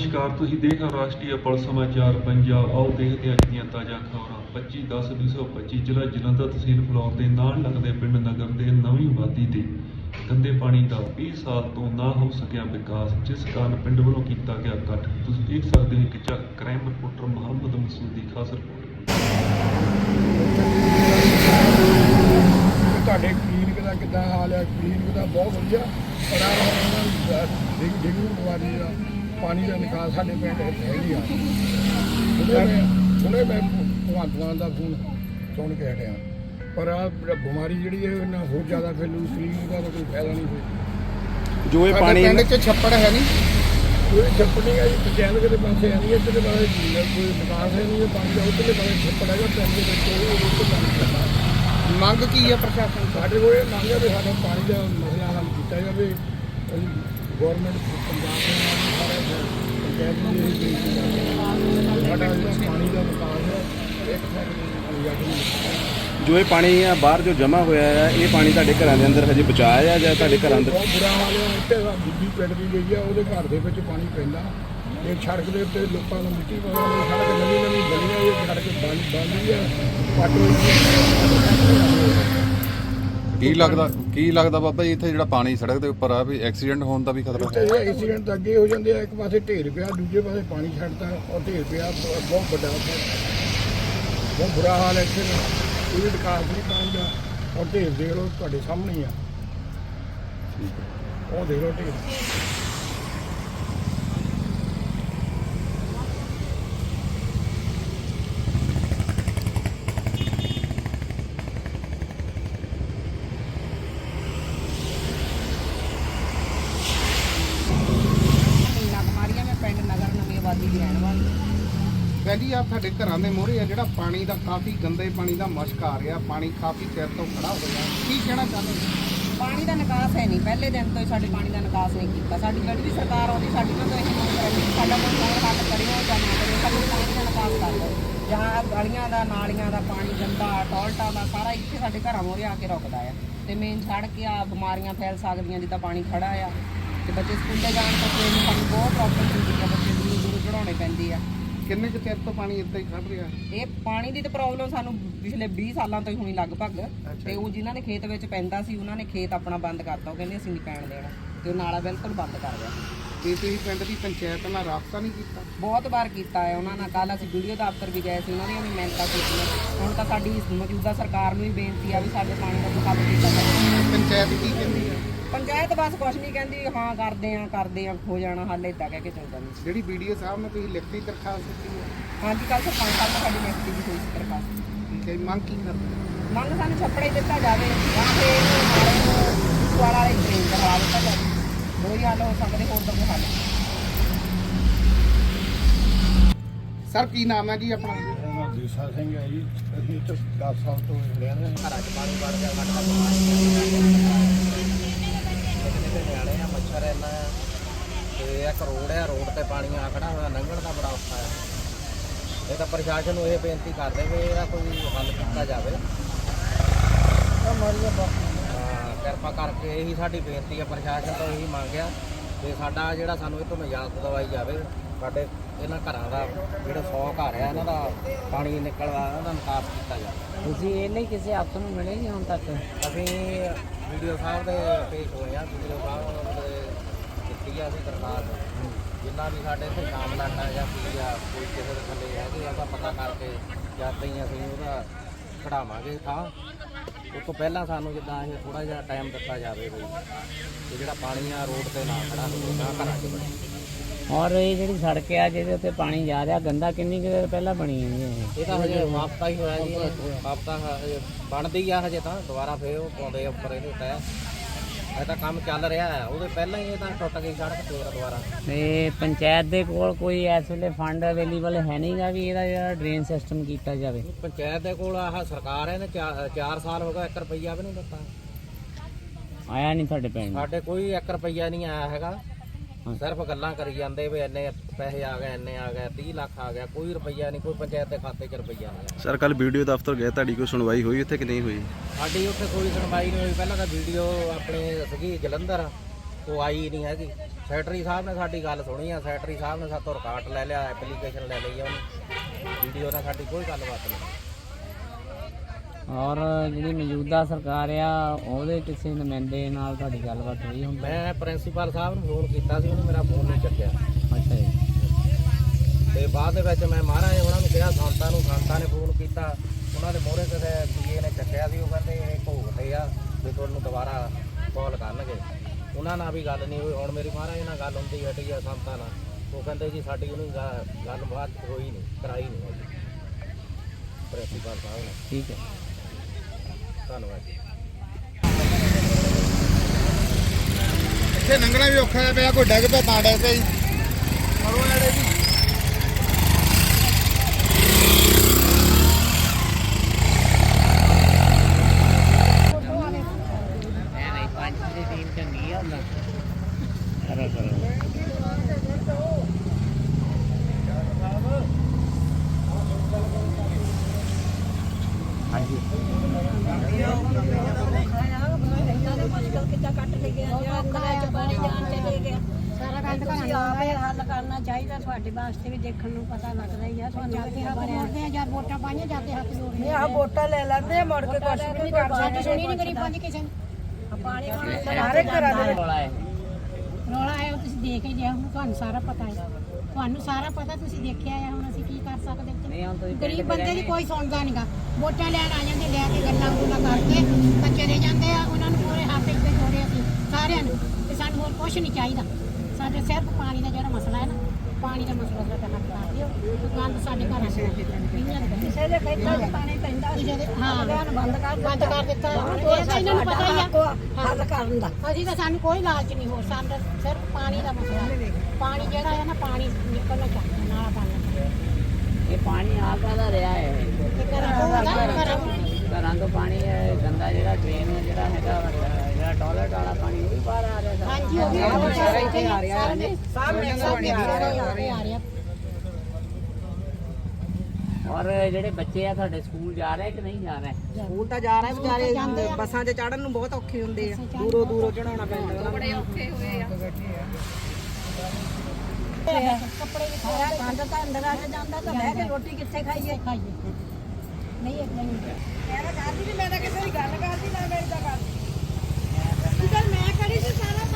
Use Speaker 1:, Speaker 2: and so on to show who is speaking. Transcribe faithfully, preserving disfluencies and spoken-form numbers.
Speaker 1: नमस्कार, तुसीं देख रहे हो राष्ट्रीय पुलिस समाचार पंजाब। आओ देखते हैं अज ਦੀਆਂ ਤਾਜ਼ਾ ਖਬਰਾਂ। पच्ची दस ਵੀਹ सौ पच्ची ਜ਼ਿਲ੍ਹਾ ਜਲੰਧਰ ਤਹਿਸੀਲ ਫਲੌਰ ਦੇ ਨਾਲ ਲੱਗਦੇ ਪਿੰਡ ਨਗਰ ਦੇ ਨਵੀਂ ਆਬਾਦੀ ਤੇ ਗੰਦੇ ਪਾਣੀ ਦਾ ਵੀਹ ਸਾਲ ਤੋਂ ਨਾ ਹੋ ਸਕਿਆ ਵਿਕਾਸ, ਜਿਸ ਕਾਰਨ ਪਿੰਡ ਵੱਲੋਂ ਕੀਤਾ ਗਿਆ ਇਕੱਠ। ਤੁਸੀਂ ਦੇਖ ਸਕਦੇ ਹੋ ਕਿ ਚੱਕ ਕ੍ਰਾਈਮ ਰਿਪੋਰਟਰ ਮੁਹੰਮਦ ਮਸੂਦ ਦੀ ਖਾਸ ਰਿਪੋਰਟ।
Speaker 2: ਤੁਹਾਡੇ ਕਲੀਨਿਕ ਦਾ ਕਿੱਦਾਂ ਹਾਲ ਹੈ? ਕਲੀਨਿਕ ਦਾ ਬਹੁਤ ਵਧੀਆ, ਪਰ ਆ ਡੇਂਗੂ ਬਿਮਾਰੀ ਦਾ ਪਾਣੀ ਦਾ ਨਿਕਾਸ ਸਾਡੇ ਪਿੰਡ ਹੈ ਹੀ ਆ। ਹੁਣੇ ਮੈਂ ਭਗਵੰਤ ਮਾਨ ਦਾ ਫੋਨ ਸੁਣ ਕੇ ਹਟਿਆ, ਪਰ ਆ ਬਿਮਾਰੀ ਜਿਹੜੀ ਹੈ ਇਹਨਾਂ ਹੋਰ ਜ਼ਿਆਦਾ ਫੈਲੂ। ਕਲੀਨਿਕ ਦਾ ਤਾਂ ਕੋਈ ਫਾਇਦਾ ਨਹੀਂ ਹੋਇਆ।
Speaker 3: ਜੋ ਇਹ ਪਾਣੀ
Speaker 2: ਪਿੰਡ 'ਚ ਛੱਪੜ ਹੈ ਨਹੀਂ, ਕੋਈ ਛੱਪੜ ਨਹੀਂ ਹੈ ਜੀ। ਪੰਚਾਇਤ ਕਿਤੇ ਪਾਸੇ ਹੈ ਨਹੀਂ, ਇੱਧਰਲੇ ਪਾਸੇ ਕੋਈ ਨਿਕਾਸ ਹੈ ਨਹੀਂ। ਪਾਣੀ ਦਾ ਉੱਧਰਲੇ ਪਾਸੇ ਛੱਪੜ ਹੈਗਾ ਪਿੰਡ ਦੇ ਵਿੱਚ।
Speaker 3: ਮੰਗ ਕੀ ਹੈ ਪ੍ਰਸ਼ਾਸਨ
Speaker 2: ਸਾਡੇ ਕੋਲ ਇਹ ਮੰਗ ਹੈ ਵੀ ਸਾਡਾ ਪਾਣੀ ਦਾ ਮਸਲਾ ਹੱਲ ਕੀਤਾ ਜਾਵੇ। ਅਸੀਂ ਗੌਰਮੈਂਟ ਪੰਜਾਬ ਦੇ ਨਾਲ ਸਾਰੇ ਪੰਚਾਇਤ ਨੂੰ ਇਹ ਬੇਨਤੀ ਕਰਦੇ ਹਾਂ, ਸਾਡਾ ਜਿਹੜਾ ਪਾਣੀ ਦਾ ਵਿਕਾਸ ਹੈ ਇੱਕ
Speaker 3: ਜੋ ਇਹ ਪਾਣੀ ਆ ਬਾਹਰ ਜੋ ਜਮ੍ਹਾਂ ਹੋਇਆ ਹੈ, ਇਹ ਪਾਣੀ ਤੁਹਾਡੇ ਘਰਾਂ ਦੇ ਅੰਦਰ ਹਜੇ ਬਚਾਇਆ ਹੈ ਜਾਂ ਤੁਹਾਡੇ ਘਰਾਂ ਅੰਦਰ?
Speaker 2: ਬਹੁਤ ਬੁਰਾ ਹਾਲ ਹੈ। ਇੱਥੇ ਬੀਬੀ ਪਿੰਡ ਦੀ ਗਈ ਆ, ਉਹਦੇ ਘਰ ਦੇ ਵਿੱਚ ਪਾਣੀ ਪੈਂਦਾ। ਇਹ ਸੜਕ ਦੇ ਉੱਤੇ ਲੋਕਾਂ ਨੂੰ ਮਿੱਟੀ ਪਾਉਂਦੇ, ਸੜਕ ਨਵੀਂ ਨਵੀਂ ਗਲੀਆਂ ਇਹ ਸੜਕ ਬੰਦ ਬੰਦ ਹੈ।
Speaker 4: ਕੀ ਲੱਗਦਾ ਕੀ ਲੱਗਦਾ ਬਾਬਾ ਜੀ, ਇੱਥੇ ਜਿਹੜਾ ਪਾਣੀ ਸੜਕ ਦੇ ਉੱਪਰ ਆ ਵੀ ਐਕਸੀਡੈਂਟ ਹੋਣ ਦਾ ਵੀ ਖਤਰਾ ਹੈ?
Speaker 2: ਇਹ ਐਕਸੀਡੈਂਟ ਤਾਂ ਅੱਗੇ ਹੋ ਜਾਂਦੇ ਆ। ਇੱਕ ਪਾਸੇ ਢੇਰ ਪਿਆ, ਦੂਜੇ ਪਾਸੇ ਪਾਣੀ ਛੱਡਦਾ ਔਰ ਢੇਰ ਪਿਆ। ਬਹੁਤ ਵੱਡਾ ਬਹੁਤ ਬੁਰਾ ਹਾਲ ਹੈ ਇੱਥੇ। ਕੋਈ ਵਿਕਾਸ ਨਹੀਂ ਪਾਣੀ ਦਾ। ਔਰ ਢੇਰ ਦੇਖ ਲਓ, ਤੁਹਾਡੇ ਸਾਹਮਣੇ ਹੀ ਆ। ਉਹ ਦੇਖ ਲਓ ਢੇਰ।
Speaker 3: ਪਹਿਲੀ ਆ ਸਾਡੇ ਘਰਾਂ ਦੇ ਮੋਹਰੇ ਆ ਜਿਹੜਾ ਪਾਣੀ ਦਾ ਕਾਫੀ ਗੰਦੇ ਪਾਣੀ ਦਾ ਮੁਸ਼ਕ ਆ ਰਿਹਾ। ਪਾਣੀ ਕਾਫੀ ਚਿਰ ਤੋਂ ਖੜਾ ਹੋਇਆ। ਕੀ ਕਹਿਣਾ ਚਾਹੁੰਦੇ?
Speaker 5: ਪਾਣੀ ਦਾ ਨਿਕਾਸ ਹੈ ਨਹੀਂ, ਪਹਿਲੇ ਦਿਨ ਤੋਂ ਹੀ ਸਾਡੇ ਪਾਣੀ ਦਾ ਨਿਕਾਸ ਨਹੀਂ ਕੀਤਾ। ਸਾਡੀ ਜਿਹੜੀ ਵੀ ਸਰਕਾਰ ਆਉਂਦੀ ਸਾਡੀ ਨਾਲ ਤਾਂ ਇਹ ਮੰਗ ਕਰਾਂਗੇ ਕਿ ਸਾਡਾ ਕੋਈ ਹੋਰ ਹੱਲ ਕਰਿਓ ਜਾਂ ਨਾ ਕਰਿਓ, ਸਾਡਾ ਪਾਣੀ ਦਾ ਨਿਕਾਸ ਕਰ ਦਿਓ। ਜਾਂ ਗਲੀਆਂ ਦਾ, ਨਾਲੀਆਂ ਦਾ ਪਾਣੀ ਗੰਦਾ, ਟੋਇਲਟਾਂ ਦਾ ਸਾਰਾ ਇੱਥੇ ਸਾਡੇ ਘਰਾਂ ਮੋਹਰੇ ਆ ਕੇ ਰੁਕਦਾ ਆ। ਤੇ ਮੇਨ ਸੜਕ ਆ, ਬਿਮਾਰੀਆਂ ਫੈਲ ਸਕਦੀਆਂ ਜਿੱਦਾਂ ਪਾਣੀ ਖੜਾ ਆ। ਤੇ ਬੱਚੇ ਸਕੂਲੇ ਜਾਣ ਤੋਂ ਸਾਨੂੰ ਬਹੁਤ ਪ੍ਰੋਬਲਮ ਹੁੰਦੀ ਆ, ਬੱਚੇ ਦੂਰ ਦੂਰ ਚੜਾਉਣੇ ਪੈਂਦੇ ਆ।
Speaker 3: ਕਿੰਨੇ ਕੁ ਚਿਰ ਤੋਂ ਪਾਣੀ ਇੱਦਾਂ ਹੀ ਖੜ ਰਿਹਾ?
Speaker 5: ਇਹ ਪਾਣੀ ਦੀ ਤਾਂ ਪ੍ਰੋਬਲਮ ਸਾਨੂੰ ਪਿਛਲੇ ਵੀਹ ਸਾਲਾਂ ਤੋਂ ਹੀ ਹੋਣੀ ਲਗਭਗ। ਤੇ ਉਹ ਜਿਨ੍ਹਾਂ ਦੇ ਖੇਤ ਵਿੱਚ ਪੈਂਦਾ ਸੀ ਉਹਨਾਂ ਨੇ ਖੇਤ ਆਪਣਾ ਬੰਦ ਕਰਤਾ। ਉਹ ਕਹਿੰਦੇ ਅਸੀਂ ਨਹੀਂ ਪੈਣ ਦੇਣਾ, ਤੇ ਉਹ ਨਾਲਾ ਬਿਲਕੁਲ ਬੰਦ ਕਰ ਗਿਆ।
Speaker 3: ਤੇ ਤੁਸੀਂ ਪਿੰਡ ਦੀ ਪੰਚਾਇਤ ਨਾਲ ਰਾਬਤਾ ਨਹੀਂ ਕੀਤਾ?
Speaker 5: ਬਹੁਤ ਵਾਰ ਕੀਤਾ ਹੈ ਉਹਨਾਂ ਨਾਲ। ਕੱਲ੍ਹ ਅਸੀਂ ਵੀਡੀਓ ਦਫ਼ਤਰ ਵੀ ਗਏ ਸੀ, ਉਹਨਾਂ ਦੀਆਂ ਵੀ ਮਿਹਨਤਾਂ ਕੀਤੀਆਂ। ਹੁਣ ਤਾਂ ਸਾਡੀ ਮੌਜੂਦਾ ਸਰਕਾਰ ਨੂੰ ਹੀ ਬੇਨਤੀ ਆ ਵੀ ਸਾਡੇ ਪਾਣੀ ਦਾ ਹੱਲ ਕੀਤਾ ਜਾਵੇ।
Speaker 3: ਪੰਚਾਇਤ ਕੀ ਕਹਿੰਦੀ ਹੈ?
Speaker 5: ਪੰਚਾਇਤ ਬਸ ਕੁਛ ਨਹੀਂ ਕਹਿੰਦੀ, ਹਾਂ ਕਰਦੇ ਆ ਕਰਦੇ ਆ ਹੋ ਜਾਣਾ ਹੱਲ, ਇੱਦਾਂ ਕਹਿ ਕੇ ਚੱਲ ਜਾਂਦੀ।
Speaker 3: ਜਿਹੜੀ ਵੀਡੀਓ ਸਾਹਿਬ ਨੇ ਤੁਸੀਂ ਲਿਖਤੀ ਦਰਖਾਸਤ ਦਿੱਤੀ ਹੈ?
Speaker 5: ਹਾਂਜੀ, ਕੱਲ੍ਹ ਸਰਪੰਚ ਸਾਹਿਬ ਨਾਲ ਸਾਡੀ ਮਿਹਨਤੀ ਵੀ ਹੋਈ ਸੀ ਦਰਖਾਸਤ।
Speaker 3: ਠੀਕ ਹੈ, ਮੰਗ ਕੀ ਕਰਦੇ?
Speaker 5: ਮੰਗ ਸਾਨੂੰ ਛੱਪੜੇ ਦਿੱਤਾ ਜਾਵੇ ਜਾਂ ਫਿਰ ਇਹਨੂੰ ਵਾਲਾ ਵਾਲੇ ਟ੍ਰੇਨ ਕਰਵਾ ਦਿੱਤਾ ਜਾਵੇ। ਦੋ ਹੀ ਹੱਲ ਹੋ ਸਕਦੇ, ਹੋਰ ਤਾਂ ਕੋਈ ਹੱਲ ਨਹੀਂ।
Speaker 3: ਸਰ ਕੀ ਨਾਮ ਹੈ ਜੀ ਆਪਣਾ?
Speaker 2: ਦੇਸਾ ਸਿੰਘ ਹੈ ਜੀ। ਅਸੀਂ ਇੱਥੇ ਦਸ ਸਾਲ ਤੋਂ ਰਹਿ ਰਹੇ ਹਾਂ।
Speaker 6: ਘਰਾਂ 'ਚ ਪਾਣੀ ਵੜ ਗਿਆ, ਸਾਡਾ ਨਿਆਣੇ ਆ, ਮੱਛਰ ਇੰਨਾ ਆ। ਤੇ ਇੱਕ ਰੋਡ ਆ, ਰੋਡ ਤੇ ਪਾਣੀ ਆ ਖੜਾ ਹੋਇਆ, ਲੰਘਣ ਦਾ ਬੜਾ ਔਖਾ ਆ। ਇਹ ਤਾਂ ਪ੍ਰਸ਼ਾਸਨ ਨੂੰ ਇਹ ਬੇਨਤੀ ਕਰਦੇ ਵੀ ਇਹਦਾ ਕੋਈ ਹੱਲ ਕੀਤਾ ਜਾਵੇ। ਹਾਂ, ਕਿਰਪਾ ਕਰਕੇ ਇਹੀ ਸਾਡੀ ਬੇਨਤੀ ਆ, ਪ੍ਰਸ਼ਾਸਨ ਤੋਂ ਇਹੀ ਮੰਗਿਆ ਤੇ ਸਾਡਾ ਜਿਹੜਾ ਸਾਨੂੰ ਇਹ ਤੋਂ ਨਿਜਾਤ ਦਵਾਈ ਜਾਵੇ। ਸਾਡੇ ਇਹਨਾਂ ਘਰਾਂ ਦਾ ਜਿਹੜਾ ਸੌ ਘਰ ਆ ਇਹਨਾਂ ਦਾ ਪਾਣੀ ਨਿਕਲਦਾ, ਉਹਦਾ ਨਿਕਾਸ ਕੀਤਾ ਜਾਵੇ।
Speaker 5: ਤੁਸੀਂ ਇਹ ਨਹੀਂ ਕਿਸੇ ਹੱਥ ਨੂੰ ਮਿਲੇ ਨਹੀਂ ਹੁਣ ਤੱਕ?
Speaker 6: ਅਸੀਂ ਵੀਡੀਓ ਸਾਹਿਬ ਦੇ ਪੇਸ਼ ਹੋਏ ਆ, ਵੀਡੀਓ ਸਾਹਿਬ ਦੇ ਦਿੱਤੀ ਆ ਅਸੀਂ ਦਰਖਾਸਤ। ਜਿੰਨਾ ਵੀ ਸਾਡੇ ਇੱਥੇ ਕਾਮਲਾਟਾ ਜਾਂ ਕੀ ਆ ਕੋਈ ਕਿਸੇ ਦੇ ਥੱਲੇ ਹੈਗੇ ਉਹਦਾ ਪਤਾ ਕਰਕੇ ਜਦ ਹੀ ਅਸੀਂ ਉਹਦਾ ਖੜਾਵਾਂਗੇ ਥਾਂ। ਉਸ ਤੋਂ ਪਹਿਲਾਂ ਸਾਨੂੰ ਜਿੱਦਾਂ ਇਹ ਥੋੜ੍ਹਾ ਜਿਹਾ ਟਾਈਮ ਦਿੱਤਾ ਜਾਵੇ ਵੀ ਤੇ ਜਿਹੜਾ ਪਾਣੀ ਆ ਰੋਡ 'ਤੇ ਨਾ ਖੜਾ ਹੋਵੇ, ਨਾ ਘਰਾਂ 'ਚ ਬਣੇ।
Speaker 5: ਔਰ ਇਹ ਜਿਹੜੀ ਸੜਕ ਆ ਜਿਹਦੇ ਉੱਤੇ ਪਾਣੀ ਜਾ ਰਿਹਾ ਗੰਦਾ, ਕਿੰਨੀ ਕੁ ਦੇਰ ਪਹਿਲਾਂ ਬਣੀ ਹੈ?
Speaker 6: ਇਹ ਤਾਂ ਹਜੇ ਹਫ਼ਤਾ ਹੀ ਹੋਇਆ ਜੀ। ਹਫ਼ਤਾ ਹਜੇ ਬਣਦੀ ਆ, ਹਜੇ ਤਾਂ ਦੁਬਾਰਾ ਫੇਰ ਉਹ ਪਾਉਂਦੇ ਆ ਉੱਪਰ ਇਹਦੇ ਉੱਤੇ। ਇਹ ਤਾਂ ਕੰਮ ਚੱਲ ਰਿਹਾ ਹੈ, ਉਹਦੇ ਪਹਿਲਾਂ ਹੀ ਇਹ ਤਾਂ ਟੁੱਟ ਗਈ ਸੜਕ ਫੇਰ ਦੁਬਾਰਾ।
Speaker 5: ਤੇ ਪੰਚਾਇਤ ਦੇ ਕੋਲ ਕੋਈ ਇਸ ਵੇਲੇ ਫੰਡ ਅਵੇਲੇਬਲ ਹੈ ਨਹੀਂਗਾ ਵੀ ਇਹਦਾ ਜਿਹੜਾ ਡਰੇਨ ਸਿਸਟਮ ਕੀਤਾ ਜਾਵੇ?
Speaker 6: ਪੰਚਾਇਤ ਦੇ ਕੋਲ ਆਹ ਸਰਕਾਰ ਇਹਨੇ ਚਾਰ ਸਾਲ ਹੋ ਗਏ, ਇੱਕ ਰੁਪਈਆ ਵੀ ਨਹੀਂ ਦਿੱਤਾ।
Speaker 5: ਆਇਆ ਨਹੀਂ ਤੁਹਾਡੇ ਪਿੰਡ?
Speaker 6: ਸਾਡੇ ਕੋਈ ਇੱਕ ਰੁਪਈਆ ਨਹੀਂ ਆਇਆ ਹੈਗਾ। ਸਿਰਫ ਗੱਲਾਂ ਕਰੀ ਜਾਂਦੇ ਵੀ ਇੰਨੇ ਪੈਸੇ ਆ ਗਏ, ਇੰਨੇ ਆ ਗਏ, ਤੀਹ ਲੱਖ ਆ ਗਿਆ। ਕੋਈ ਰੁਪਈਆ ਨਹੀਂ, ਕੋਈ ਪੰਚਾਇਤ ਦੇ ਖਾਤੇ 'ਚ ਰੁਪਈਆ ਨਹੀਂ।
Speaker 3: ਸਰ ਕੱਲ ਵੀਡੀਓ ਦਫ਼ਤਰ ਗਏ, ਤੁਹਾਡੀ ਕੋਈ ਸੁਣਵਾਈ ਹੋਈ ਉੱਥੇ ਕਿ ਨਹੀਂ ਹੋਈ?
Speaker 6: ਸਾਡੀ ਉੱਥੇ ਕੋਈ ਸੁਣਵਾਈ ਨਹੀਂ ਹੋਈ। ਪਹਿਲਾਂ ਤਾਂ ਵੀਡੀਓ ਆਪਣੇ ਸੀਗੀ ਜਲੰਧਰ, ਉਹ ਆਈ ਨਹੀਂ ਹੈਗੀ। ਸੈਕਟਰੀ ਸਾਹਿਬ ਨੇ ਸਾਡੀ ਗੱਲ ਸੁਣੀ ਆ, ਸੈਕਟਰੀ ਸਾਹਿਬ ਨੇ ਸਾਤੋਂ ਰਿਕਾਰਡ ਲੈ ਲਿਆ, ਐਪਲੀਕੇਸ਼ਨ ਲੈ ਲਈ ਆ ਉਹਨੇ, ਵੀਡੀਓ ਨਾਲ ਸਾਡੀ ਕੋਈ ਗੱਲਬਾਤ ਨਹੀਂ।
Speaker 7: ਔਰ ਜਿਹੜੀ ਮੌਜੂਦਾ ਸਰਕਾਰ ਆ ਉਹਦੇ ਕਿਸੇ ਨੁਮਾਇੰਦੇ ਨਾਲ ਤੁਹਾਡੀ ਗੱਲਬਾਤ ਹੋਈ ਹੁੰਦੀ?
Speaker 6: ਮੈਂ ਪ੍ਰਿੰਸੀਪਲ ਸਾਹਿਬ ਨੂੰ ਫੋਨ ਕੀਤਾ ਸੀ, ਉਹਨੇ ਮੇਰਾ ਫੋਨ ਨਹੀਂ ਚੱਕਿਆ।
Speaker 7: ਅੱਛਾ ਜੀ।
Speaker 6: ਤੇ ਬਾਅਦ ਦੇ ਵਿੱਚ ਮੈਂ ਮਹਾਰਾਜ ਉਹਨਾਂ ਨੂੰ ਕਿਹਾ, ਸੰਤਾਂ ਨੂੰ, ਸੰਤਾਂ ਨੇ ਫੋਨ ਕੀਤਾ, ਉਹਨਾਂ ਦੇ ਮੋਹਰੇ ਕਿਸੇ ਪੀਏ ਨੇ ਚੱਕਿਆ ਸੀ। ਉਹ ਕਹਿੰਦੇ ਇਹ ਭੋਗਦੇ ਆ ਵੀ ਤੁਹਾਨੂੰ ਦੁਬਾਰਾ ਕਾਲ ਕਰਨਗੇ। ਉਹਨਾਂ ਨਾਲ ਵੀ ਗੱਲ ਨਹੀਂ ਹੋਈ। ਹੁਣ ਮੇਰੀ ਮਹਾਰਾਜ ਨਾਲ ਗੱਲ ਹੁੰਦੀ ਹਟੀ ਆ ਸੰਤਾਂ ਨਾਲ, ਉਹ ਕਹਿੰਦੇ ਜੀ ਸਾਡੀ ਉਹਨੂੰ ਗਾ- ਗੱਲਬਾਤ ਹੋਈ ਨਹੀਂ, ਕਰਾਈ ਨਹੀਂ ਹੋਈ ਪ੍ਰਿੰਸੀਪਲ ਸਾਹਿਬ ਨੇ।
Speaker 7: ਠੀਕ ਹੈ,
Speaker 6: ਧੰਨਵਾਦ ਜੀ।
Speaker 3: ਇੱਥੇ ਲੰਘਣਾ ਵੀ ਔਖਾ ਪਿਆ, ਕੋਈ ਡਿੱਗ ਪਿਆ ਤਾਂ ਡਿੱਗ ਪਿਆ ਜੀ। ਕਰੋ ਨੇੜੇ ਜੀ।
Speaker 7: ਐ ਨਹੀਂ ਪੰਜ ਦੀ ਟੀਮ ਚੰਗੀ ਆ ਹੁੰਦਾ। ਕਰੋ ਕਰੋ। ਹਾਂਜੀ।
Speaker 8: ਸਾਰਾ ਕੰਮ ਤੁਸੀਂ ਆਪ ਹੀ ਹੱਲ ਕਰਨਾ ਚਾਹੀਦਾ। ਤੁਹਾਡੇ ਵਾਸਤੇ ਵੀ ਦੇਖਣ ਨੂੰ ਪਤਾ ਲੱਗਦਾ ਹੀ ਆ। ਤੁਹਾਨੂੰ
Speaker 9: ਜਾਂਦੇ ਹੱਥ ਜੋੜਦੇ ਆ, ਜਦ ਵੋਟਾਂ ਪਾਈਆਂ ਜਾਂਦੇ ਹੱਥ ਜੋੜਦੇ
Speaker 8: ਨਹੀਂ ਆਹ ਵੋਟਾਂ ਲੈ ਲੈਂਦੇ ਆ, ਮੁੜ ਕੇ ਕੁਛ ਵੀ ਨਹੀਂ ਕਰਦੇ।
Speaker 9: ਸਾਡੀ ਸੁਣੀ ਨਹੀਂ ਕਰੀ ਪੰਜ ਕਿਸੇ ਨੇ।
Speaker 8: ਪਾਣੀ ਸਾਰੇ ਘਰਾਂ ਦੇ ਵਿੱਚ
Speaker 7: ਰੌਲਾ ਹੈ।
Speaker 9: ਰੌਲਾ ਹੈ ਉਹ ਤੁਸੀਂ ਦੇਖ ਹੀ ਲਿਆ, ਹੁਣ ਤੁਹਾਨੂੰ ਸਾਰਾ ਪਤਾ ਹੈ। ਤੁਹਾਨੂੰ ਸਾਰਾ ਪਤਾ, ਤੁਸੀਂ ਦੇਖਿਆ ਆ। ਹੁਣ ਅਸੀਂ ਕੀ ਕਰ ਸਕਦੇ
Speaker 7: ਨਹੀਂ ਹੁਣ ਤੁਸੀਂ
Speaker 9: ਗਰੀਬ
Speaker 7: ਪਿੰਡ
Speaker 9: ਬੰਦੇ ਦੀ
Speaker 7: ਦੇ
Speaker 9: ਕੋਈ ਸੁਣਦਾ ਨਹੀਂਗਾ। ਵੋਟਾਂ ਲੈਣ ਆ ਜਾਂਦੇ, ਲੈ ਕੇ ਗੱਲਾਂ ਗੁੱਲਾਂ ਕਰਕੇ ਤਾਂ ਚਲੇ ਜਾਂਦੇ ਆ। ਉਹਨਾਂ ਨੂੰ ਪੂਰੇ ਹੱਥ ਇੱਥੇ ਜੋੜੇ ਅਸੀਂ ਸਾਰਿਆਂ ਨੂੰ, ਤੇ ਸਾਨੂੰ ਹੋਰ ਕੁਝ ਨਹੀਂ ਚਾਹੀਦਾ। ਸਾਡੇ ਸਿਰਫ ਪਾਣੀ ਦਾ ਜਿਹੜਾ ਮਸਲਾ ਹੈ ਨਾ, ਪਾਣੀ ਦਾ ਮਸਲਾ ਸਾਡਾ ਹੱਲ ਕਰ ਦਿਓ। ਦੁਕਾਨ ਸਾਡੇ ਘਰਾਂ ਚ
Speaker 8: ਕਿਸੇ ਦੇ ਖੇਤਾਂ 'ਚ ਪਾਣੀ ਪੈਂਦਾ ਸੀ,
Speaker 9: ਹਾਂ
Speaker 8: ਅਗਲਿਆਂ ਬੰਦ ਕਰ
Speaker 9: ਬੰਦ ਕਰ ਦਿੱਤਾ। ਇਹ ਤਾਂ ਇਹਨਾਂ ਨੂੰ ਪਤਾ ਹੀ ਆ
Speaker 8: ਹੱਲ ਕਰਨ ਦਾ।
Speaker 9: ਅਸੀਂ ਤਾਂ, ਸਾਨੂੰ ਕੋਈ ਲਾਲਚ ਨਹੀਂ ਹੋਰ, ਸਾਨੂੰ ਸਿਰਫ ਪਾਣੀ ਦਾ ਮਸਲਾ ਹੈ। ਪਾਣੀ ਜਿਹੜਾ ਹੈ ਨਾ, ਪਾਣੀ ਨਿਕਲਣਾ ਚਾਹੀਦਾ, ਨਾਲਾ ਪਾਣੀ।
Speaker 7: ਇਹ ਪਾਣੀ ਆ ਕਾਹਦਾ ਰਿਹਾ ਹੈ?
Speaker 9: ਇਹ ਘਰਾਂ ਤੋਂ ਘਰਾਂ ਤੋਂ
Speaker 7: ਘਰਾਂ ਤੋਂ ਪਾਣੀ ਹੈ ਗੰਦਾ, ਜਿਹੜਾ ਡਰੇਨ ਜਿਹੜਾ ਹੈਗਾ ਵਾ, ਜਿਹੜਾ ਟਾਇਲਟ ਵਾਲਾ ਪਾਣੀ ਉਹ ਵੀ ਬਾਹਰ ਆ ਰਿਹਾ ਸਾਰਾ।
Speaker 9: ਹਾਂਜੀ ਉਹ ਵੀ ਇੱਥੇ ਆ ਰਿਹਾ ਹੈ, ਸਾਹਮਣੇ ਸਾਹਮਣੇ ਆ ਰਿਹਾ।
Speaker 7: ਔਰ ਜਿਹੜੇ ਬੱਚੇ ਆ ਤੁਹਾਡੇ ਸਕੂਲ ਜਾ ਰਹੇ ਕਿ ਨਹੀਂ ਜਾ ਰਹੇ?
Speaker 5: ਸਕੂਲ ਤਾਂ ਜਾ ਰਹੇ ਵਿਚਾਰੇ, ਬੱਸਾਂ 'ਚ ਚੜਨ ਨੂੰ ਬਹੁਤ ਔਖੇ ਹੁੰਦੇ ਆ, ਦੂਰੋਂ ਦੂਰੋਂ ਚੜਾਉਣਾ ਪੈਂਦਾ। ਬੜੇ ਔਖੇ ਹੋਏ ਆ।
Speaker 8: ਕੱਪੜੇ ਵੀ ਖਾਇਆ ਕੰਧ ਤਾਂ ਅੰਦਰ ਆ ਕੇ ਜਾਂਦਾ, ਤਾਂ ਬਹਿ ਕੇ ਰੋਟੀ ਕਿੱਥੇ ਖਾਈਏ?
Speaker 9: ਖਾਈਏ ਨਹੀਂ ਇੱਕ ਨਹੀਂ
Speaker 8: ਮੈਂ ਤਾਂ ਕਰਦੀ ਨਹੀਂ, ਮੈਂ ਤਾਂ ਕਿਸੇ ਦੀ ਗੱਲ ਕਰਦੀ ਨਾ ਮੇਰੀ ਤਾਂ ਕਰਦੀ।
Speaker 9: ਮੈਂ ਕਰੀ ਸੀ ਸਾਰਾ